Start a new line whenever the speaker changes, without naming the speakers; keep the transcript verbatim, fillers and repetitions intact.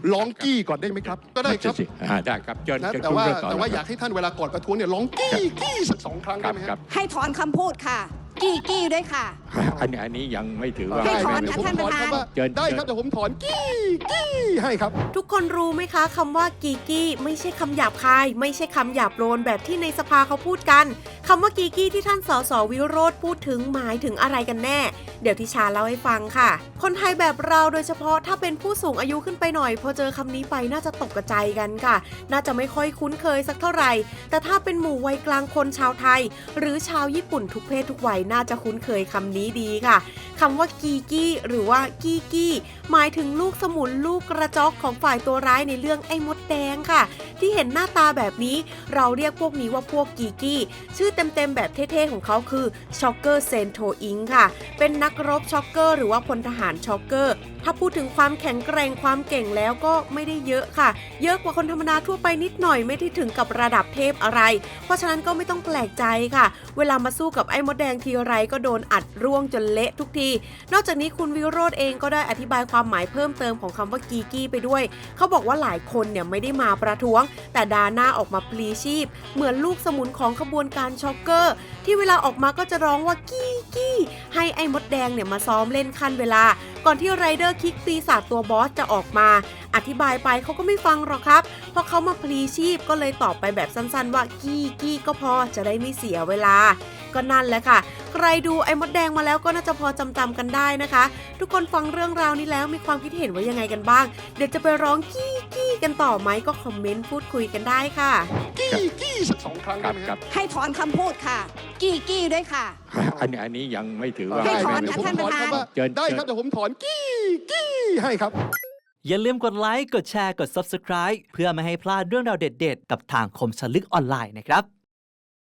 ร้องกี้ก่อนได้ไหมครับก็ได้ครับ
ได้ครับเชิญ
นะแต่ว่าแต่ว่าอยากให้ท่านเวลาก่อนประท้วงเนี่ยร้องกี้กี้สักสองครั้งได้ไหมครับ
ให้ถอนคำพูดค่ะกี้กี้ด้วยค่ะ
อันนี้อันนี้ยังไม่ถือว่า
ให้ถอนค่ะท่านประธาน
ได้ครับเดี๋ยวผมถอนกี้กี้ให้ครับ
ทุกคนรู้ไหมคะคำว่ากีกี้ไม่ใช่คำหยาบคายไม่ใช่คำหยาบโลนแบบที่ในสภาเขาพูดกันคำว่ากีกี้ที่ท่านสสวิโรจน์พูดถึงหมายถึงอะไรกันแน่เดี๋ยวทิชาเล่าให้ฟังค่ะคนไทยแบบเราโดยเฉพาะถ้าเป็นผู้สูงอายุขึ้นไปหน่อยพอเจอคำนี้ไปน่าจะตกใจกันค่ะน่าจะไม่ค่อยคุ้นเคยสักเท่าไหร่แต่ถ้าเป็นหมู่วัยกลางคนชาวไทยหรือชาวญี่ปุ่นทุกเพศทุกวัยน่าจะคุ้นเคยคำนี้ดีค่ะคำว่ากีกี้หรือว่ากี้กี้หมายถึงลูกสมุนลูกกระจอกของฝ่ายตัวร้ายในเรื่องไอ้มดแดงค่ะที่เห็นหน้าตาแบบนี้เราเรียกพวกนี้ว่าพวกกีกี้ชื่อเต็มๆแบบเท่ๆของเขาคือช็อกเกอร์เซนโทอิงค่ะเป็นนักรบช็อกเกอร์หรือว่าพลทหารช็อกเกอร์ถ้าพูดถึงความแข็งแกร่งความเก่งแล้วก็ไม่ได้เยอะค่ะเยอะกว่าคนธรรมดาทั่วไปนิดหน่อยไม่ได้ถึงกับระดับเทพอะไรเพราะฉะนั้นก็ไม่ต้องแปลกใจค่ะเวลามาสู้กับไอ้มดแดงทีไรก็โดนอัดร่วงจนเละทุกทีนอกจากนี้คุณวิโรจน์เองก็ได้อธิบายความหมายเพิ่มเติมของคำว่ากีกี้ไปด้วยเขาบอกว่าหลายคนเนี่ยไม่ได้มาประท้วงแต่ดาหน้าออกมาพลีชีพเหมือนลูกสมุนของขบวนการช็อกเกอร์ที่เวลาออกมาก็จะร้องว่ากี้กี้ให้ไอ้มดแดงเนี่ยมาซ้อมเล่นขั้นเวลาก่อนที่ไรเดอร์คิกปีศาจตัวบอสจะออกมาอธิบายไปเขาก็ไม่ฟังหรอกครับเพราะเขามาพลีชีพก็เลยตอบไปแบบสั้นๆว่ากี้กี้ก็พอจะได้ไม่เสียเวลาก็นั่นแหละค่ะใครดูไอ้มดแดงมาแล้วก็น่าจะพอจำๆกันได้นะคะทุกคนฟังเรื่องราวนี้แล้วมีความคิดเห็นว่ายังไงกันบ้างเดี๋ยวจะไปร้องกี้กี้กันต่อไหมก็คอมเมนต์พูดคุยกันได้ค่ะ
กี้กี้สักสองครั้งได้ไหมครับ
ให้ถอนคำพูดค่ะกี้กี้ด้วยค่ะ
อันนี้อันนี้ยังไม่ถือว่า
ให้ถอนค่ะท่านประธาน
ได้ครับเดี๋ยวผมถอนกี้กี้ให้ครับ
อย่าลืมกดไลค์กดแชร์กด ซับสไครบ์ เพื่อไม่ให้พลาดเรื่องราวเด็ดๆกับทางคมชลึกออนไลน์นะครับ